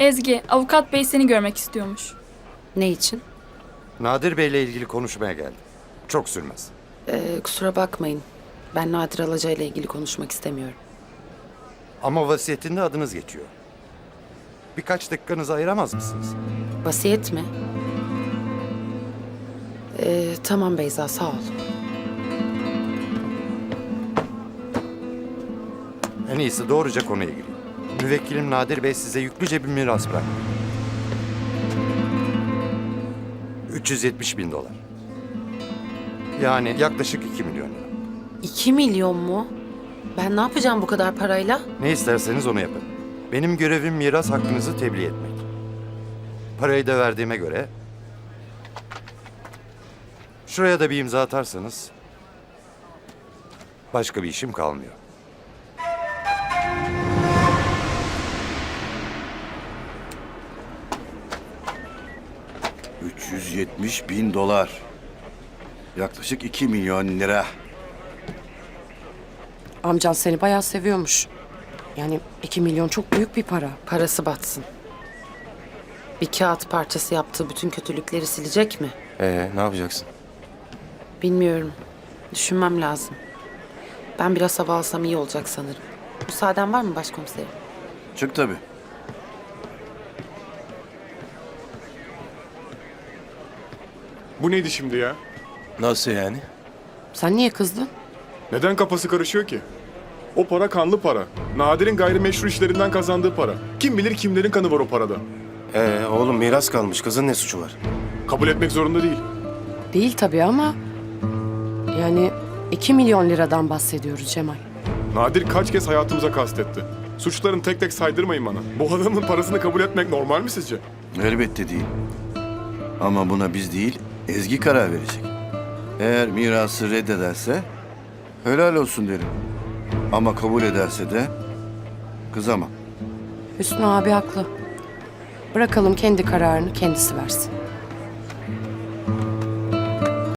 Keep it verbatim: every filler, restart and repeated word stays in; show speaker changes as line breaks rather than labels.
Ezgi, avukat bey seni görmek istiyormuş.
Ne için?
Nadir Bey'le ilgili konuşmaya geldim. Çok sürmez.
Ee, kusura bakmayın. Ben Nadir Alaca ile ilgili konuşmak istemiyorum.
Ama vasiyetinde adınız geçiyor. Birkaç dakikanızı ayıramaz mısınız?
Vasiyet mi? Ee, tamam Beyza, sağ ol.
En iyisi doğruca konuya gireyim. Müvekkilim Nadir Bey size yüklüce bir miras bıraktı. üç yüz yetmiş bin dolar. Yani yaklaşık iki milyon lira.
İki milyon mu? Ben ne yapacağım bu kadar parayla?
Ne isterseniz onu yapın. Benim görevim miras hakkınızı tebliğ etmek. Parayı da verdiğime göre... Şuraya da bir imza atarsanız... Başka bir işim kalmıyor.
üç yüz yetmiş bin dolar. Yaklaşık iki milyon lira.
Amcan seni bayağı seviyormuş. Yani iki milyon çok büyük bir para.
Parası batsın. Bir kağıt parçası yaptığı bütün kötülükleri silecek mi?
Ee, ne yapacaksın?
Bilmiyorum. Düşünmem lazım. Ben biraz hava alsam iyi olacak sanırım. Müsaaden var mı başkomiserim?
Çık tabii.
Bu neydi şimdi ya?
Nasıl yani?
Sen niye kızdın?
Neden kafası karışıyor ki? O para kanlı para. Nadir'in gayrimeşru işlerinden kazandığı para. Kim bilir kimlerin kanı var o parada.
Ee, oğlum miras kalmış. Kızın ne suçu var?
Kabul etmek zorunda değil.
Değil tabii ama... Yani iki milyon liradan bahsediyoruz Cemal.
Nadir kaç kez hayatımıza kastetti. Suçlarını tek tek saydırmayın bana. Bu adamın parasını kabul etmek normal mi sizce?
Elbette değil. Ama buna biz değil, Ezgi karar verecek. Eğer mirası reddederse helal olsun derim. Ama kabul ederse de kızamam.
Hüsnü abi haklı. Bırakalım kendi kararını kendisi versin.